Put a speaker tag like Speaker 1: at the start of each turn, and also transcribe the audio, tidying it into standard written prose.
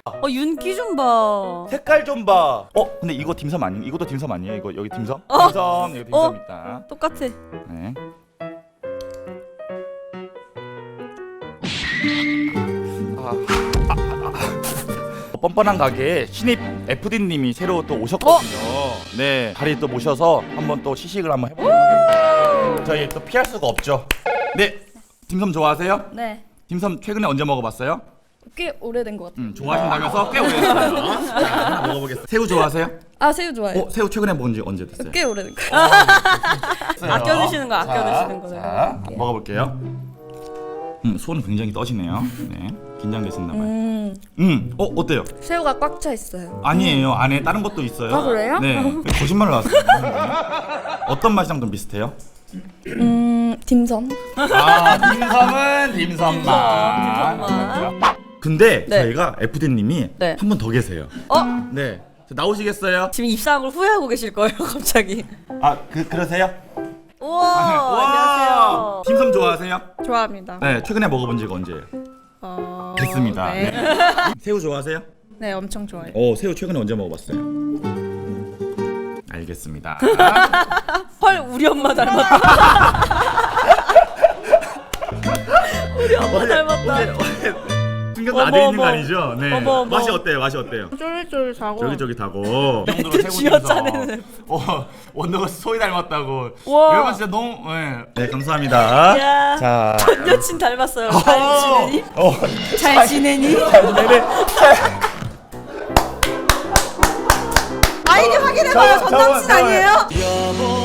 Speaker 1: 윤기 좀 봐.
Speaker 2: 색깔 좀 봐. 근데 이거 딤섬 아니? 이것도 딤섬 아니에요? 이거 여기 딤섬? 딤섬 여기 딤섬 있다.
Speaker 1: 똑같아.
Speaker 2: 네. 뻔뻔한 가게에 신입 FD님이 새로 또 오셨거든요. 네, 자리 또 모셔서 한번 또 시식을 한번 해보도록 하겠습니다. 저희 또 피할 수가 없죠. 네, 딤섬 좋아하세요?
Speaker 3: 네.
Speaker 2: 딤섬 최근에 언제 먹어봤어요?
Speaker 3: 꽤 오래된 것 같아요.
Speaker 2: 좋아하신다면서 꽤 오래됐어요. 자, 하나 먹어보겠습니다. 새우 좋아하세요?
Speaker 3: 아, 새우 좋아해요.
Speaker 2: 새우 최근에 먹은 지 언제 됐어요?
Speaker 3: 꽤 오래된 것 같아요.
Speaker 1: 아껴 드시는 거, 아껴 드시는 거.
Speaker 2: 자, 먹어볼게요. 손은 굉장히 떠시네요. 네, 긴장되셨나봐요. 어때요?
Speaker 3: 새우가 꽉 차 있어요.
Speaker 2: 아니에요. 안에 다른 것도 있어요.
Speaker 3: 아, 그래요?
Speaker 2: 네, 거짓말을 하세요. 어떤 맛이랑 좀 비슷해요?
Speaker 3: 딤섬.
Speaker 2: 딤섬은 딤섬만. 근데
Speaker 1: 네.
Speaker 2: 저희가 FD님이
Speaker 1: 네.
Speaker 2: 한 분 더 계세요. 네, 나오시겠어요?
Speaker 1: 지금 입사한 걸 후회하고 계실 거예요, 갑자기.
Speaker 2: 그러세요?
Speaker 1: 우와, 안녕하세요.
Speaker 2: 딤섬 좋아하세요?
Speaker 3: 좋아합니다.
Speaker 2: 네, 최근에 먹어본 지가 언제예요? 됐습니다.
Speaker 3: 네.
Speaker 2: 네. 새우 좋아하세요?
Speaker 3: 네, 엄청 좋아해요.
Speaker 2: 새우 최근에 언제 먹어봤어요? 알겠습니다.
Speaker 1: 헐, 우리 엄마 닮았다. 우리 엄마 닮았다.
Speaker 2: 신경
Speaker 1: 어머,
Speaker 2: 나대 있는 거
Speaker 1: 어머.
Speaker 2: 아니죠? 네.
Speaker 1: 어머, 어머.
Speaker 2: 맛이 어때요? 맛이 어때요?
Speaker 3: 쫄깃쫄깃하고.
Speaker 2: 쫄깃쫄깃하고.
Speaker 1: 쥐어짜내는.
Speaker 2: 원더가 소희 닮았다고.
Speaker 1: 와.
Speaker 2: 여러분 진짜 너무. 네, 감사합니다.
Speaker 1: 야.
Speaker 2: 자.
Speaker 1: 전 여친 닮았어요. 잘 지내니? 잘 지내니?
Speaker 2: 네네.
Speaker 1: 아이디 확인해봐요. 전 남친 아니에요?